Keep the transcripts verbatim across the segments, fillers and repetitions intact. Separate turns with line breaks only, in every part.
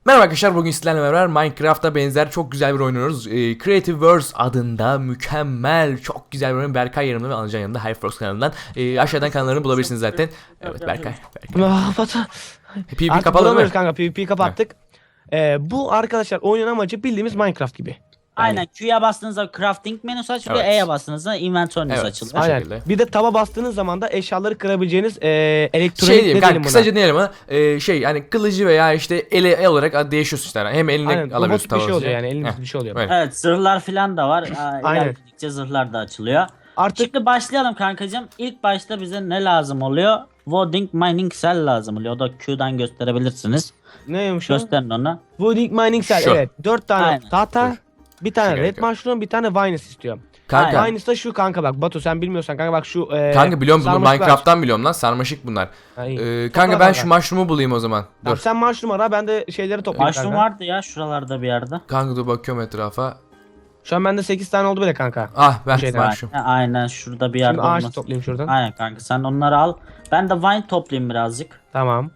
Merhaba arkadaşlar, bugün sizlerle beraber Minecraft'a benzer çok güzel bir oyun oynuyoruz. Ee, Creative Worlds adında mükemmel, çok güzel bir oyun. Berkay yanımda ve Anılcan yanımda, Hyperfox kanalından. Ee, aşağıdan kanallarını bulabilirsiniz zaten. Evet Berkay. Berkay.
Ah, Batu.
PvP
Artık
kapalı
bulamıyoruz
mı?
kanka, PvP kapattık. Ee, bu arkadaşlar oyunun amacı bildiğimiz Minecraft gibi.
Aynen, Q'ya bastığınızda crafting menüsü açılıyor,
Evet.
E'ye bastığınızda inventory'niz
Evet.
açılıyor.
Aynen.
Aynen.
şekilde.
Bir de taba bastığınız zaman da eşyaları kırabileceğiniz e, elektronik
Şey diyeyim
ne
kanka,
diyelim buna?
kısaca diyelim ama e, şey yani kılıcı veya işte ele el olarak değişiyorsun işte. Hem eline
Aynen,
alabiliyorsun
robot bir şey
tabanca.
oluyor yani, elimizde
Heh,
bir şey oluyor.
öyle.
Evet, zırhlar falan da var. Aa,
Aynen.
ilerledikçe zırhlar da açılıyor.
Artık
Şimdi başlayalım kankacığım. İlk başta bize ne lazım oluyor? Wooding Mining Cell lazım oluyor. O da Q'dan gösterebilirsiniz.
neymiş o?
Gösterin onu.
Wooding Mining Cell,
Şu.
evet. Dört tane
Aynen.
tahta,
Dur.
bir tane
Şu
red
gerekiyor.
mushroom, bir tane vines istiyor.
Kanka,
Aynen.
Vines da şu kanka, bak Batu sen bilmiyorsan kanka, bak şu e,
kanka biliyorum bunu
sarmaşıklar.
Minecraft'tan biliyorum lan, sarmaşık bunlar.
Ha, iyi.
Ee,
Topla
kanka ben şu mushroom'u bulayım o zaman.
Tamam,
Dur.
sen mushroom ara, ben de şeyleri toplayayım
Mushroom
kanka.
vardı ya şuralarda bir yerde.
Kanka dur bakıyorum etrafa.
Şu an bende sekiz tane oldu bile kanka.
Ah ben
Şeyden.
mushroom.
Aynen, aynen şurada bir yerde
Şimdi ağaç
olması.
toplayayım şuradan.
Aynen kanka, sen onları al. Ben de vine toplayayım birazcık.
Tamam.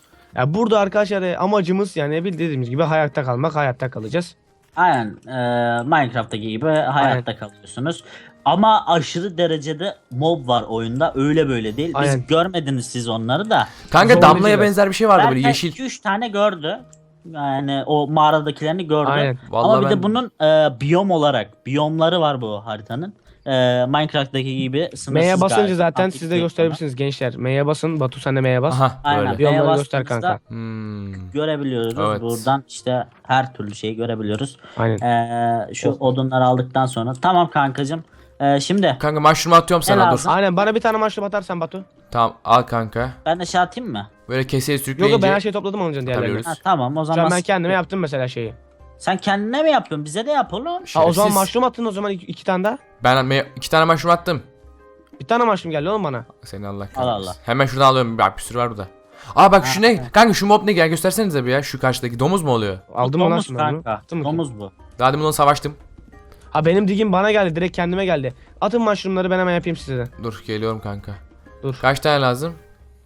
Ya burada arkadaşlar e, amacımız yani bildiğimiz gibi hayatta kalmak, hayatta kalacağız.
Aynen, e, Minecraft'taki gibi hayatta kalıyorsunuz. Ama aşırı derecede mob var oyunda, öyle böyle değil. Biz
Aynen.
görmediniz siz onları da.
Kanka
Zorlayıcı
damlaya
biraz.
benzer bir şey vardı böyle
Belki
yeşil.
iki üç tane gördü. Yani o mağaradakilerini gördü.
Aynen.
Vallahi
Ama bir
ben-
de bunun e, biyom olarak biyomları var bu haritanın. E, Minecraft'taki gibi sınırsız.
M'ye basınca
galiba.
zaten
Aktif
siz de
yok
gösterebilirsiniz gençler. M'ye basın. Batu sen de M'ye bas.
Aha
Aynen.
böyle.
Bir onları
M'ye
göster
bastığınızda
kanka.
Hmm.
görebiliyoruz.
Evet.
Buradan işte her türlü şeyi görebiliyoruz.
Aynen.
E, şu odunları aldıktan sonra. Tamam kankacığım. E, şimdi
Kanka mushroom'u atıyorum sana dur.
lazım?
Aynen, bana bir tane maçlı atarsan Batu.
Tamam al kanka.
ben de şey atayım mı?
Böyle keseye
Yok yok,
sürükleyince.
ben her şeyi topladım onun diğerlerini.
Atabiliyoruz.
Ha, tamam o
Şu
zaman.
an ben kendime yaptım mesela şeyi.
Sen kendine mi yapıyorsun? Bize de yap oğlum.
Ha, o
Şerefsiz.
zaman mushroom attın o zaman iki, iki tane daha.
Ben me- iki tane mushroom attım.
Bir tane mushroom geldi oğlum bana.
Seni Allah kahretsin.
Allah Allah.
Hemen şuradan alıyorum. Bak bir sürü var burada. Aa bak şu ne? Kanka şu mob ne? Gel göstersenize bir ya. Şu karşıdaki domuz mu oluyor?
Aldım mı lan
Domuz
şimdi ben bunu?
kanka.
Attın mı ki?
Domuz bu.
Daha demin onu savaştım.
Ha, benim digim bana geldi, direkt kendime geldi. Atın mushroomları, ben hemen yapayım size de.
Dur geliyorum kanka.
Dur.
Kaç tane lazım?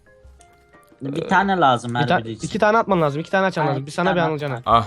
Bir tane lazım
Bir
her
ta-
biri için.
iki tane atman lazım, iki tane açman
Aynen,
lazım. Bir
iki
sana bir
tane
Anılcan'a.
Ah.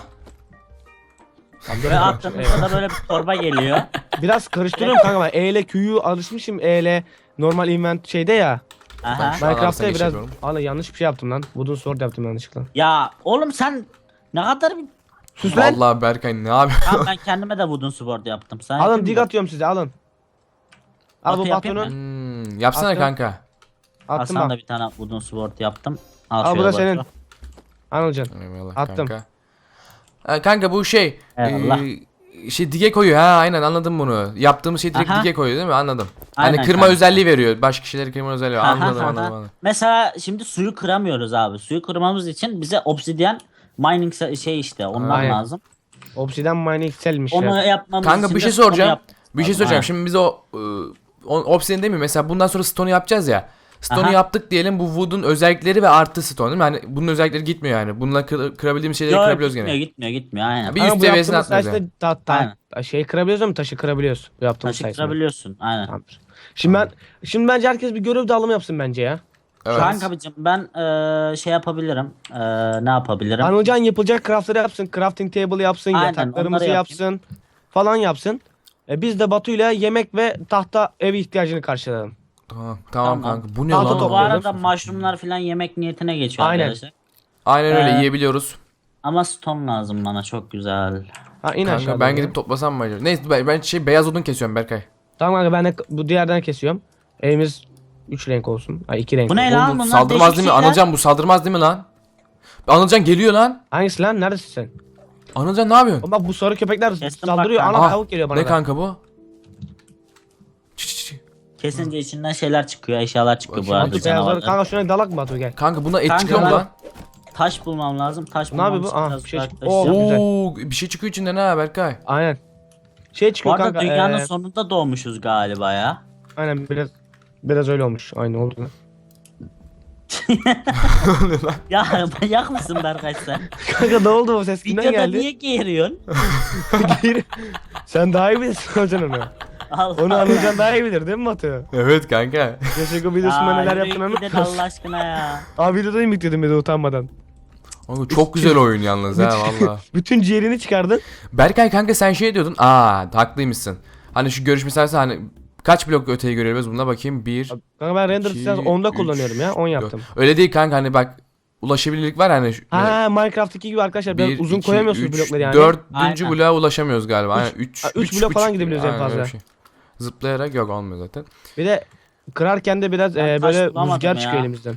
Ve attığımızda da böyle bir torba geliyor.
Biraz karıştırıyorum kanka, ben E ile Q'yu alışmışım, E ile normal invent şeyde ya.
Aha.
Şu an
Minecraft'ta
arasına
biraz
geçiyorum.
Valla yanlış bir şey yaptım lan. Wooden sword yaptım yanlışlıkla.
Ya oğlum sen ne kadar bir...
Sus lan.
Vallahi Berkay ne yapıyorsun?
Tamam, ben kendime de wooden sword yaptım. Sen
Alın,
yapayım
dig
mı?
atıyorum size, alın. Al
Batu
bu
yapayım
batonu.
Hmm, yapsana
Attım.
kanka.
Al
Attım
sana da
bak.
bir tane wooden sword yaptım. Al,
Al bu
şöyle
da
bak.
senin. Anılcan.
Eyvallah
Attım.
kanka. Ha, kanka bu şey.
Eyvallah.
e, şey dige koyuyor ha, aynen anladım bunu. Yaptığımız şey direkt
Aha.
dige koyuyor değil mi? Anladım.
Aynen
hani kırma
kanka.
özelliği veriyor. Başka kişileri kırma özelliği veriyor.
Aha,
Anladım
aha.
anladım anladım.
Mesela şimdi suyu kıramıyoruz abi. Suyu kırmamız için bize obsidian mining se- şey işte ondan
Aynen.
lazım.
Obsidian mining cell'miş
Onu
ya.
yapmamız
Kanka
için
bir
de
şey
stone
soracağım.
yapmamız
Bir şey
lazım.
soracağım.
Aynen.
Şimdi biz o, ıı, o obsidian değil mi? Mesela bundan sonra stone'u yapacağız ya. Stone'u
Aha.
yaptık diyelim, bu wood'un özellikleri ve artı stone değil mi? Hani bunun özellikleri gitmiyor yani. Bununla kır, kırabildiğimiz şeyleri
Yok,
kırabiliyoruz
gitmiyor,
gene.
gitmiyor gitmiyor aynen.
Bir
Ama
üst
bu
seviyesine
yaptığımız
atmıyoruz yani.
sayesinde ta, ta,
Aynen.
şey kırabiliyoruz ama taşı kırabiliyoruz. Bu yaptığımız
Taşı
sayesinde.
kırabiliyorsun aynen.
Tamamdır. Şimdi ben şimdi bence herkes bir görev dağılımı yapsın bence ya.
Evet.
Kanka abicim ben eee, şey yapabilirim. Eee, ne yapabilirim?
Anılcan yapılacak craftları yapsın, crafting table yapsın,
Aynen,
yataklarımızı
onları
yapsın falan yapsın. E biz de Batu'yla yemek ve tahta ev ihtiyacını karşılayalım.
Tamam, tamam
Tamam.
kanka. Bu ne
Tahta
lan?
Bu
topluyoruz.
arada mushroomlar falan yemek niyetine geçiyor
Aynen.
arkadaşlar.
Aynen öyle
Ee,
yiyebiliyoruz.
Ama stone lazım bana, çok güzel.
Ha, in aşağı
Kanka ben
doğru.
gidip toplasam mı acaba? Neyse ben, ben şey beyaz odun kesiyorum Berkay.
Tamam kanka, ben de bu diğerden kesiyorum. Evimiz üç renk olsun. Ha, iki renk
Bu ne
olsun.
lan?
Oğlum, bu
bunlar
saldırmaz
değişik
değil mi?
şeyler.
Anılcan bu saldırmaz değil mi lan? Anılcan geliyor lan.
Hangisi lan? Neredesin sen?
Anılcan ne yapıyorsun?
Oğlum bak, bu sarı köpekler
Kestim
saldırıyor.
bak
Ana
kanka.
tavuk geliyor bana
Ne
da.
kanka bu? Çı çı çı.
Kesince içinden şeyler çıkıyor, eşyalar çıkıyor bu
Bakayım,
arada
Batu beyazları.
canavarlar.
Kanka şuna dalak mı Batu, gel.
Kanka buna et
Kanka
çıkıyor mu
ben-
lan?
Taş bulmam lazım. Taş
Ne
bulmam
yapıyor bu?
için
Aha,
biraz
bir şey çıktı.
uzaklaşacağım.
Oo. güzel.
Oo, bir şey çıkıyor içinden ha Berkay.
Aynen. Şey
Bu
çıkıyor
arada
kanka.
dünyanın
eee,
sonunda doğmuşuz galiba ya.
Aynen, biraz biraz öyle olmuş. Aynı oldu lan.
Ya manyak mısın Berkay sen?
Kanka ne oldu, o ses kimden
Videoda
geldi?
niye geğiriyorsun?
Sen daha iyi bilirsin Anılcan onu.
Allah
Onu Anılcan daha iyi bilir değil mi Batu?
Evet kanka.
Yaşako videosunda neler
yürü
yaptığını
gidin
anlatmıyorsun.
Allah aşkına ya.
Abi videoda mı yükledim bir de utanmadan?
Kanka çok güzel oyun yalnız ha valla.
Bütün ciğerini çıkardın.
Berkay kanka sen şey diyordun. Aa haklıymışsın. Hani şu görüş meselesi hani kaç blok öteye görebiliriz buna bakayım. Bir.
Kanka ben render
İki,
distance onda
üç,
kullanıyorum ya. on yaptım.
Öyle değil kanka hani bak ulaşabilirlik var hani. şu-
Ha Minecraft'taki gibi arkadaşlar biraz
bir,
uzun
iki,
koyamıyorsunuz
üç,
blokları yani.
Dördüncü
Aynen.
bloğa ulaşamıyoruz galiba. Aynen,
Üç-
üç,
Ha, üç blok falan gidebiliyoruz en
aynen öyle
fazla.
bir şey. Zıplayarak yok olmuyor zaten.
Bir de kırarken de biraz
Ben
e,
taş
böyle
bulamadım
rüzgar
ya.
çıkıyor elimizden.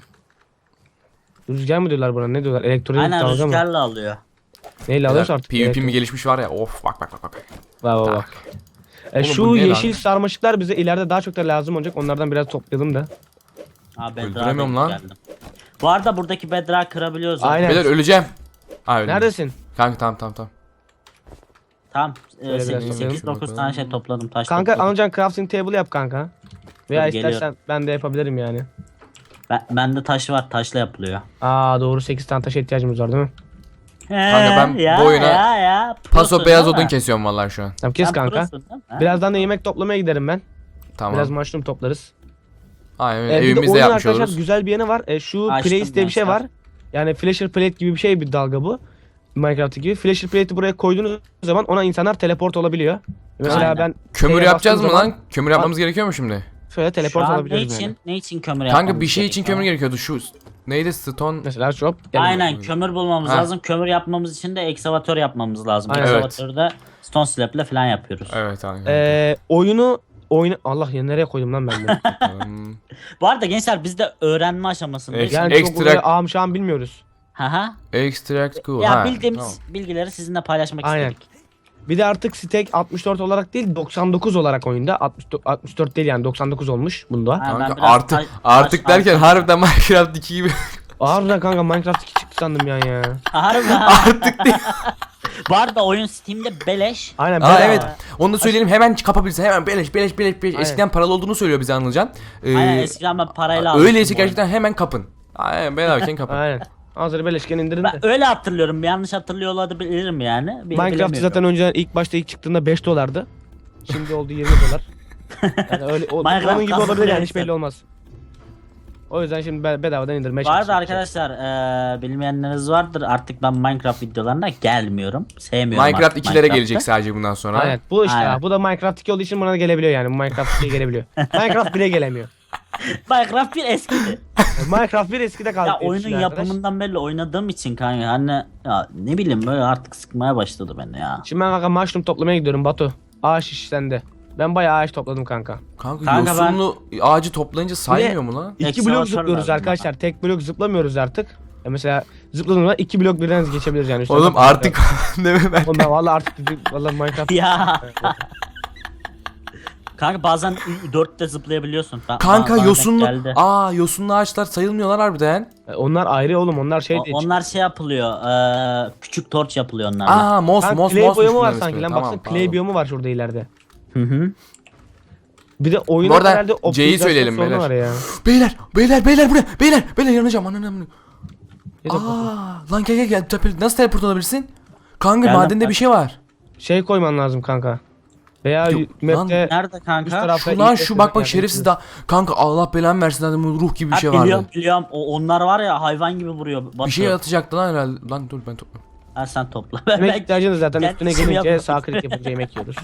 Rüzgar mı diyorlar buna? Ne diyorlar? Elektronik
Aynen
dalga mı?
rüzgarla alıyor.
Neyle alıyorsa artık.
PvP mi
elektrik.
gelişmiş var ya of bak bak bak bak.
Bak bak bak.
Tak.
E,
Oğlum
şu
bu ne lan?
yeşil sarmaşıklar bize ileride daha çok da lazım olacak. Onlardan biraz toplayalım da.
Ha Bedrock'a
Öldüremiyorum lan.
geldim. Bu arada buradaki Bedrock'ı kırabiliyoruz. zaten.
Aynen.
Beyler öleceğim. Ha öyle.
Neredesin?
Kanka tamam tamam tamam.
Tamam.
Böyle biraz
sekiz
toplayalım.
dokuz tane şey topladım. Taş
Kanka
topladım.
Anılcan crafting table yap kanka. Veya
Dur,
istersen
geliyorum.
ben de yapabilirim yani.
Ben, bende taş var. Taşla yapılıyor.
Aa doğru sekiz tane taşa ihtiyacımız var değil mi?
Kanka ben
ya,
bu oyuna
ya, ya.
Paso
Prosun
beyaz
değil
odun
mi?
kesiyorum vallahi şu an.
Tamam kes
Sen
kanka.
prosun değil mi? Ha?
Birazdan da yemek toplamaya giderim ben.
Tamam.
Biraz mushroom toplarız.
Aynen
Ee, bir de
evimizde
oyunun
yapmış
arkadaşlar
oluruz.
güzel bir yanı var. Ee, şu
Açtım
place diye bir şey
gençler.
var. Yani flasher plate gibi bir şey bir dalga bu. Minecraft gibi. Flasher plate'i buraya koyduğunuz zaman ona insanlar teleport olabiliyor. Mesela
Aynen.
ben
Kömür
şeye
yapacağız mı
bastığım zaman
lan? Kömür yapmamız gerekiyor mu şimdi?
şöyle
Şu
teleport
an ne
olabiliyoruz
için,
yani.
ne için kömür
Kanka
yapmamız
bir şey için
gerekiyor?
kömür gerekiyordu şu. Neydi stone?
Mesela şu gel.
Aynen kömür bulmamız
Ha.
lazım. Kömür yapmamız için de ekskavatör yapmamız lazım.
Aynen.
Ekskavatörde stone slab ile falan yapıyoruz.
Evet aynen.
Ee, oyunu oyunu Allah ya nereye koydum lan ben bunu?
Hmm.
Bu arada gençler biz de öğrenme aşamasındayız.
Ek-
Yani
Extract-
çok böyle ağam şahım bilmiyoruz.
Haha.
Extract cool.
Ya
ha,
bildiğimiz
tamam.
bilgileri sizinle paylaşmak
Aynen.
istedik.
Bir de artık stack altmış dört olarak değil doksan dokuz olarak oyunda. altmış dört, altmış dört değil yani doksan dokuz olmuş bunda.
Ha, ben
Kanka
biraz
artık
taş-
artık
taş-
derken harbiden Minecraft iki gibi.
Harbiden kanka Minecraft iki çıktı sandım yani ya.
Harbi artık değil. Bu arada oyun Steam'de beleş.
Aynen
Aa
bedava.
evet. Onu da söyleyelim hemen kapabilirsin. Hemen beleş beleş beleş beleş.
Aynen.
Eskiden paralı olduğunu söylüyor bize Anılcan. Ee,
Aynen eskiden ben parayla almıştım
öyleyse
bu oyunu.
gerçekten hemen kapın. Aynen bedavayken kapın.
Aynen. Hazır beleşken indirin de.
Ben öyle hatırlıyorum. Yanlış hatırlıyor olabilirim yani. Bil-
Minecraft
bilemiyorum.
zaten önceden ilk başta ilk çıktığında beş dolardı. Şimdi oldu yirmi dolar. Yani öyle o,
Minecraft
onun gibi
kazanıyor
olabilir yani hiç
işte.
belli olmaz. O yüzden şimdi be- bedavadan indirmeye
Bu arada
çalışıyorum.
arkadaşlar eee bilmeyenleriniz vardır. Artık ben Minecraft videolarına gelmiyorum. Sevmiyorum
Minecraft
artık
ikilere
Minecraft'ı.
gelecek sadece bundan sonra.
Aynen. Bu işte
Aynen.
ha, bu da Minecraft iki olduğu için buna da gelebiliyor yani. Bu Minecraft ikiye gelebiliyor. Minecraft bire gelemiyor.
Minecraft bir eskidi.
Yani Minecraft bir eskide kaldı.
Ya
diye
oyunun
düşünüyor arkadaş.
yapımından belli oynadığım için kanka hani ya ne bileyim böyle artık sıkmaya başladı beni ya.
Şimdi ben kanka mushroom toplamaya gidiyorum Batu. Ağaç iş sende. Ben bayağı ağaç topladım kanka.
Kanka,
Kanka ben-
yosunlu ağacı toplayınca saymıyor mu lan?
İki
Ekskavatör
blok zıplıyoruz
lazım
arkadaşlar. Tek blok zıplamıyoruz artık. Ya mesela zıpladığımda iki blok birden geçebiliriz yani. Üstüne
Oğlum
zıplıyoruz.
artık deme ben.
Oğlum ben valla artık valla Minecraft.
Ya. Kanka bazen dörtte zıplayabiliyorsun. Ben-
Kanka
bana denk
yosunlu.
geldi.
Aa yosunlu ağaçlar sayılmıyorlar harbiden.
E, Onlar ayrı oğlum onlar şey
O-
değil.
onlar şey yapılıyor. eee, küçük torç yapılıyor onlarla.
Aa mos
Lan
mos
clay
mos.
biyomu var sanki lan baksana clay
pardon.
biyomu var şurada ileride.
Hı hı.
Bir de oyunun
Bu arada
herhalde
C'yi
optimizasyon
söyleyelim
sorunu
beyler.
var ya.
Beyler beyler beyler buraya beyler beyler yanacağım ananı amına.
Ne de-
Aa lan gel gel gel Tepe- nasıl teleport olabilirsin? Kanka
Geldim,
madende
bak.
bir şey var.
Şey koyman lazım kanka. Veya
Yok, lan
map'te
Nerede
üst
kanka?
tarafta
Şu lan
ilk
şu
başta
bak bak
bir
şerefsiz
yerde
daha. Kanka Allah belanı versin dedim ruh gibi bir
Ha,
şey
biliyorum
vardı.
biliyorum. O, onlar var ya hayvan gibi vuruyor. Batu.
Bir şey atacaktı lan herhalde. Lan dur ben toplam.
Ha, sen topla. Ben,
Yemek
ben-
ihtiyacınız zaten
Ben
üstüne
şey
gelince
yapmadım.
sağ klik yapınca yemek yiyoruz.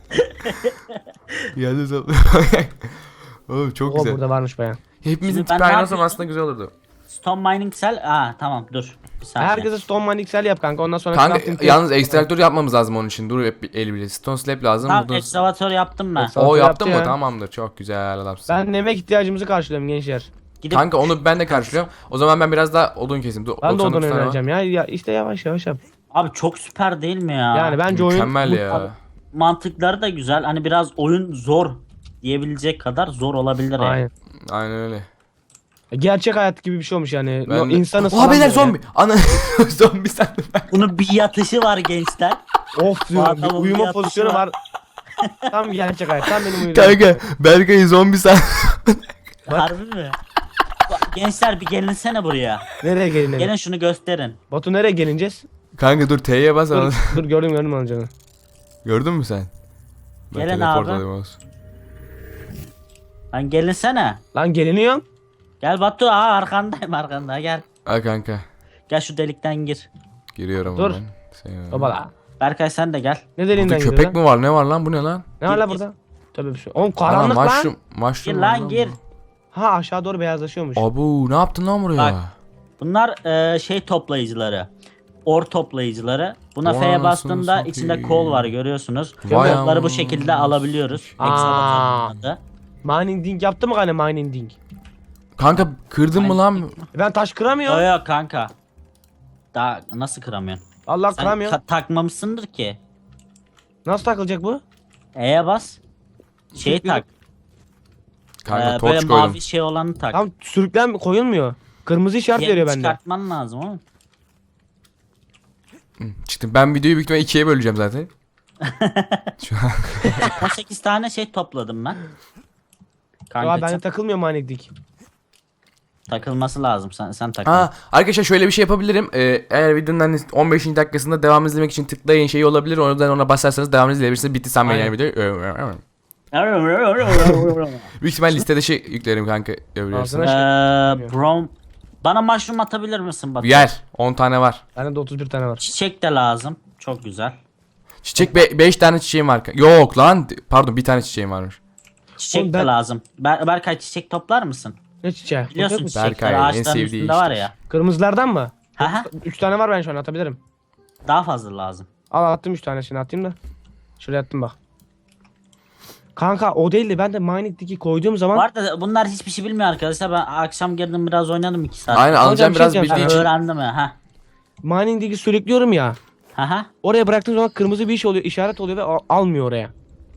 Geldi toplam. Oğlum çok
O
güzel.
burada varmış bayağı.
Hepimizin
Şimdi ben
tipi
ne
aynı olsa
yapayım?
aslında güzel olurdu.
Stone mining cell. Aa tamam dur. Bir saniye.
Herkese stone mining cell yap kanka ondan sonra
Kanka
crafting
yalnız
table-
ekstraktör yapmamız lazım onun için. Dur hep bir el bile. Stone slab lazım.
Tamam
Buradan-
ekskavatör yaptım ben.
Ekskavatör
O
yaptı
yaptın mı?
ya.
Tamamdır. Çok güzel adamsın.
Ben yemek ihtiyacımızı karşılıyorum gençler.
Gidip
Kanka onu ben de karşılıyorum. O zaman ben biraz daha odun keseyim. Dur,
Ben de
doksan dokuz
ondan
tane var.
önereceğim ya. ya. işte yavaş yavaş yap.
abi çok süper değil mi ya?
Yani bence oyun
Mükemmel
bu-
ya.
Mantıkları da güzel. Hani biraz oyun zor diyebilecek kadar zor olabilir yani.
Aynen.
Aynen öyle.
Gerçek hayat gibi bir şey olmuş yani.
Ben
No,
de-
insanı
Oha beyler zombi. Ana zombi sandım ben.
Bunun bir yatışı var gençler.
Of diyorum.
adamın
bir
bir
uyuma
yatışı
pozisyonu
var.
var. Tam gerçek hayat. Tam benim uyuduğum.
Kanka Berkay'ı zombi sandım.
Harbi mi? Bak, gençler bir gelinsene buraya.
Nereye gelin?
Gelin şunu gösterin.
Batu nereye gelineceğiz?
Kanka dur T'ye bas.
Dur, dur gördüm gördüm anlayacağını.
Gördün mü sen? Ben
Gelin
teleport
abi.
olayım olsun.
Lan gelinsene.
Lan geliniyorum.
Gel Batu aa arkandayım arkanda gel.
Ha kanka.
Gel şu delikten gir.
Giriyorum
Dur.
hemen. Sen-
Baba.
Berkay sen de gel.
Ne
Burada
deliğinden
köpek
giriyor lan?
mi var? Ne var lan? Bu ne lan?
Ne var la
Gir,
burada? Tabii bir şey. Oğlum
Ana
karanlık lan.
mushroom. Mushroom
Gir
var
lan gir.
Ha aşağı doğru beyazlaşıyormuş.
Abu ne yaptın lan buraya?
Bak. Bunlar e, şey toplayıcıları. Or toplayıcıları. Buna
Vay
F'ye
anasını
bastığında
satayım.
içinde kol var görüyorsunuz.
Vay
Kolları bu
anasını.
şekilde alabiliyoruz.
Aa.
Excavator'un adı.
Mining ding yaptı mı gane mining ding?
Kanka kırdın mı lan?
Ben taş
Yok
kıramıyorum.
yok kanka. Daha nasıl kıramıyorsun?
Allah
Sen
kıramıyorum.
ta- takmamışsındır ki.
Nasıl takılacak bu?
E'ye bas. Şey tak.
Kanka
e,
torç
böyle
koydum.
mavi şey olanı tak.
Tam sürüklen koyulmuyor. Kırmızı işaret
Yerini
veriyor bende.
çıkartman lazım oğlum.
Hı, çıktım. Ben videoyu büyük ihtimalle ikiye böleceğim zaten. Şu an.
on sekiz tane şey topladım ben. Kanka
Aa, bende
sen-
takılmıyor mining ding.
takılması lazım. Sen sen takıl.
Aa, arkadaşlar şöyle bir şey yapabilirim. Ee, eğer videonun hani on beşinci dakikasında devam izlemek için tıklayın şey olabilir. Oradan ona basarsanız devam izleyebilirsiniz. Bitti sanmayın yani videoyu. Büyük ihtimal listede şey yüklerim kanka. Görebilirsin.
Ağzına-
Eee brom bana mushroom atabilir misin Batu?
Yer. on tane var.
Bende de otuz bir tane var.
Çiçek de lazım. Çok güzel.
Çiçek beş tane çiçeğim var. Yok lan. Pardon bir tane çiçeğim varmış.
Çiçek
Oğlum
de
ben-
lazım. Ber Berkay çiçek toplar mısın?
Ne çiçeği?
Biliyorsun
Bakıyor musun?
çiçekler
Berkay, en
ağaçların
sevdiği
üstünde var
iştir.
ya.
Kırmızılardan mı?
Haha.
üç tane var ben şu an atabilirim.
Daha fazla lazım.
Al attım üç tanesini atayım da. Şuraya attım bak. Kanka o değil de ben de mining digi koyduğum zaman
Bu arada bunlar hiçbir şey bilmiyor arkadaşlar. Ben akşam girdim biraz oynadım iki saat.
Aynen
Hocam,
alacağım
bir şey
biraz
diyeceğim
bildiği
Ben
için.
öğrendim ya. Ha.
mining digi sürüklüyorum ya.
Haha.
Oraya bıraktığım zaman kırmızı bir iş oluyor, işaret oluyor ve al- almıyor oraya.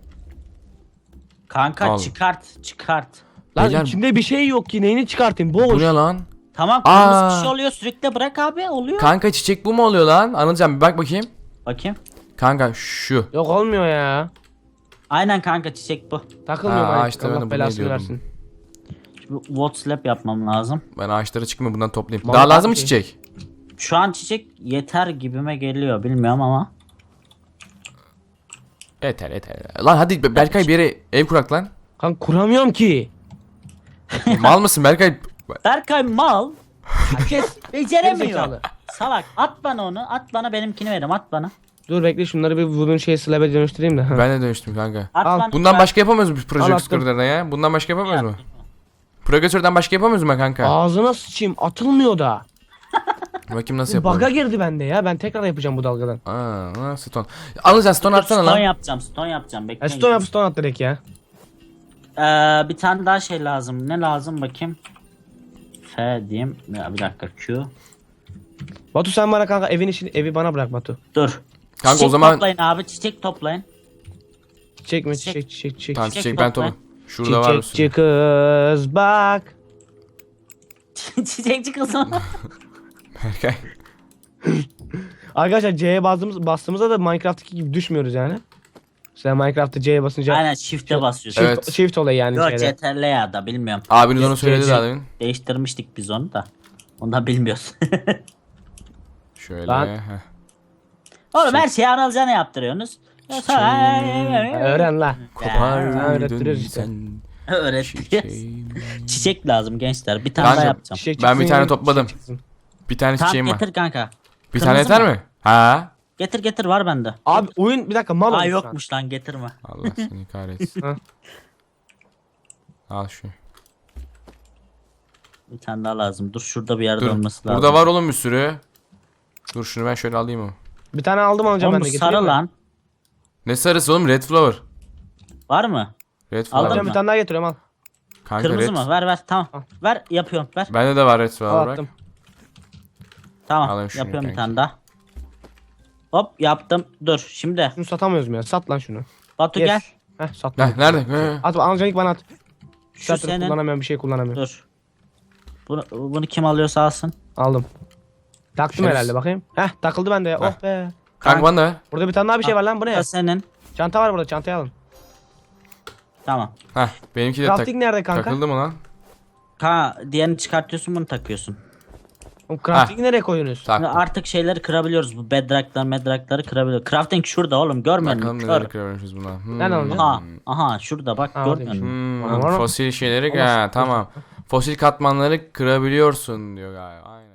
Kanka
Al.
çıkart çıkart.
Lan
Beyler-
içinde bir şey yok ki neyini çıkartayım
Bu
boş.
ne lan?
Tamam kırmızı
Aa.
bir şey oluyor sürükle bırak abi oluyor.
Kanka çiçek bu mu oluyor lan? Anılcan bir bak bakayım.
Bakayım.
Kanka şu.
Yok olmuyor ya.
Aynen kanka çiçek bu.
Takılmıyor
Ha,
mining
işte ben de
Allah
bunu
belasını
diyordum.
versin.
Şimdi Watt slap yapmam lazım.
Ben ağaçlara çıkmıyor bundan toplayayım.
Vallahi
Daha lazım mı
abi.
çiçek?
Şu an çiçek yeter gibime geliyor bilmiyorum ama.
Yeter yeter. Lan hadi Be- Berkay bir yere ev kurak lan.
Kanka kuramıyorum ki.
Mal mısın Berkay?
Berkay mal.
Herkes
Beceremiyor.
Gerizekalı.
Salak at bana onu at bana benimkini verim at bana.
Dur bekle şunları bir bunun şey slab'e dönüştüreyim de.
Ben de dönüştüm kanka.
At
Al.
bana.
Bundan
ben-
başka yapamıyoruz biz
Al,
projektörlerden ya. Bundan başka yapamıyoruz mu? Projektörden başka yapamıyoruz mu kanka?
Ağzına sıçayım atılmıyor da.
Bakayım nasıl
Baga
yapalım.
girdi bende ya. Ben tekrar yapacağım bu dalgadan.
Aa, ha, stone. Alacağız stone
Dur,
atsana
stone
lan.
yapacağım stone yapacağım bekle.
E, stone yap stone at direkt ya.
Ee, bir tane daha şey lazım. Ne lazım bakayım. F diyeyim. Ya, bir dakika Q.
Batu sen bana kanka evin işini evi bana bırak Batu.
Dur.
Kanka,
çiçek
o zaman-
toplayın abi çiçek toplayın.
Çiçek mi
Çiçek.
çiçek çiçek çiçek.
Tamam
Çiçek
çiçek ben
topla.
toplam. Şurada var bir sürü.
Çiçekçi kız bak.
Çiçekçi kızım.
Berkay.
Arkadaşlar C'ye bastığımız, bastığımızda da Minecraft'taki gibi düşmüyoruz yani. Sen Minecraft'ta C'ye basınca
Aynen shift'e basıyorsun.
shift,
Evet.
shift olayı yani
Yok
şeyde.
C T R L ya da bilmiyorum.
Abiniz onu
C-
söyledi
C-
daha demin.
Değiştirmiştik biz onu da. Ondan bilmiyoruz.
Şöyle.
Lan.
heh.
Oğlum her şeyi Anılcan'a yaptırıyorsunuz.
Ha, öğren la.
Kopardın
öğrettiriyoruz işte.
sen
Öğreteceğiz.
çiçeğimi.
Çiçek lazım gençler. Bir tane
Kanka,
daha yapacağım.
Çiçek
Ben bir
çıksın,
tane
yine
topladım.
çiçek çıksın.
Bir tane
Tamam
çiçeğim var.
getir kanka.
Bir tane
Kırmızı
yeter
mı?
mi? Ha?
Getir getir var bende.
Abi oyun bir dakika mal
Aa
olmuş şu an.
yokmuş lan getirme.
Allah seni kahretsin.
Ha.
Al şu.
Bir tane daha lazım. Dur şurada bir yerde
Dur.
olması lazım.
Burada var oğlum bir sürü. Dur şunu ben şöyle alayım mı?
Bir tane aldım alacağım
Oğlum
ben
bu
de
sarı
getireyim mi?
lan.
Ne sarısı oğlum? Red flower.
Var mı?
Red
Aldın
flower.
Alacağım
mı?
bir tane daha getiriyorum al.
Kanka
Kırmızı
red.
mı? Ver ver tamam.
Al.
Ver yapıyorum ver.
Bende de var red
Al
flower bak.
attım.
Tamam
Alayım şunu
yapıyorum bir
kanki.
tane daha. Hop yaptım. Dur şimdi.
Şunu satamıyoruz mu ya? Sat lan şunu.
Batu
Yes.
gel.
Heh satma.
Heh, nerede? He.
At alacaksın ilk bana at.
Şu
Zaten
senin.
kullanamıyorum bir şey kullanamıyorum.
Dur. Bunu, bunu kim alıyorsa alsın.
Aldım. Taktım
Şerefsiz.
herhalde bakayım. Heh takıldı bende ya.
Heh.
Oh be.
Kanka bana da ver.
Burada bir tane daha bir şey var lan bu
Bu
ne?
da senin.
Çanta var burada çantayı alın.
Tamam.
Heh benimki de tak
Crafting nerede kanka?
takıldı mı lan?
Ha diğerini çıkartıyorsun bunu takıyorsun.
Oğlum crafting'i nereye koyuyorsunuz?
Şimdi
Tak.
artık şeyleri kırabiliyoruz. Bu bedrock'lar medrock'ları kırabiliyoruz. Crafting şurada oğlum görmüyor
Bakalım
musun?
neler
Kör.
kırıyormuşuz buna. Hmm.
Nereden alacaksın?
Aha, aha şurada bak
Ha,
görmüyor
oradaymış.
musun?
Hmm,
Var mı?
fosil şeyleri
Olmaz.
ha tamam. Fosil katmanları kırabiliyorsun diyor galiba. Aynen.